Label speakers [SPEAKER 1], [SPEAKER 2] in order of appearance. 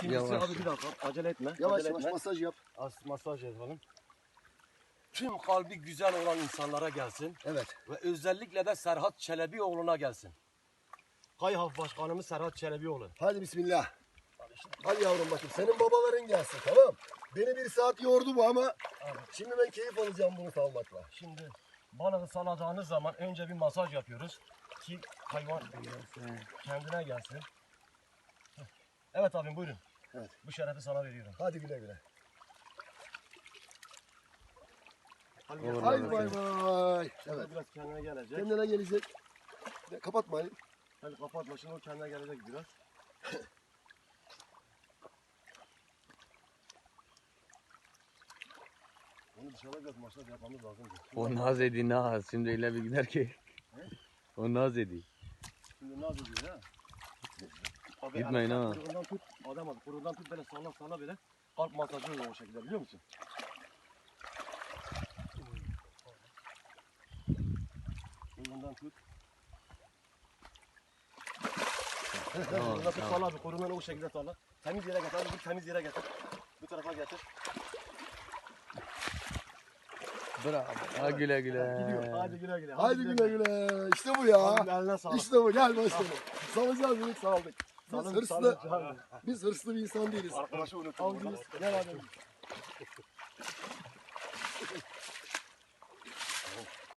[SPEAKER 1] İkincisi
[SPEAKER 2] Yavaş.
[SPEAKER 1] abi bir dakika acele etme.
[SPEAKER 3] Yavaş
[SPEAKER 1] acele
[SPEAKER 3] yavaş
[SPEAKER 1] etme.
[SPEAKER 3] masaj yap.
[SPEAKER 1] Masaj yapalım. Tüm kalbi güzel olan insanlara gelsin.
[SPEAKER 3] Evet.
[SPEAKER 1] Ve özellikle de Serhat Çelebioğlu'na gelsin. Kayhaf Başkanımız Serhat Çelebioğlu.
[SPEAKER 3] Hadi bismillah. Hadi yavrum bakayım. Senin babaların gelsin, tamam. Beni 1 saat yordu bu ama şimdi ben keyif alacağım bunu salmakla.
[SPEAKER 1] Şimdi balığı saladığınız zaman önce bir masaj yapıyoruz. Ki hayvan kendine gelsin. Evet abim buyurun.
[SPEAKER 3] Evet.
[SPEAKER 1] Bu şerefi sana veriyorum.
[SPEAKER 3] Hadi güle güle.
[SPEAKER 2] Olur,
[SPEAKER 3] Haydi
[SPEAKER 2] olur.
[SPEAKER 3] bay bay. Evet.
[SPEAKER 1] Biraz kendine gelecek.
[SPEAKER 3] Kendine gelecek. Kapatma Ali.
[SPEAKER 1] Hadi kapatma şimdi o kendine gelecek biraz. Onu dışarıda biraz masaj yapmamız lazım.
[SPEAKER 2] O naz edi naz. Şimdi öyle bir gider ki. O naz edi.
[SPEAKER 1] Şimdi ne yapıyoruz ya? Abi,
[SPEAKER 2] Gitmeyin ha.
[SPEAKER 1] Kuyruğundan tut. Adam abi kuyruğundan tut böyle salla salla böyle. Kalp masajı oluyor o şekilde biliyor musun? Kuyruğundan tut.
[SPEAKER 2] Tamam,
[SPEAKER 1] Kuyruğundan tut
[SPEAKER 2] tamam.
[SPEAKER 1] salla abi kuyruğundan o şekilde salla. Temiz yere getir abi bu temiz yere getir. Bu tarafa getir.
[SPEAKER 2] Bravo. Ha güle güle.
[SPEAKER 1] Gidiyor. Hadi güle güle.
[SPEAKER 3] Haydi güle güle. İşte bu ya.
[SPEAKER 1] Abim eline sağlık.
[SPEAKER 3] İşte bu. Gel başkanım. Salacağız dedik saldık.
[SPEAKER 1] Salın, salın.
[SPEAKER 3] Biz hırslı bir insan değiliz.
[SPEAKER 1] Arkadaşı unuttum.
[SPEAKER 3] Avcıyız. Gel abi.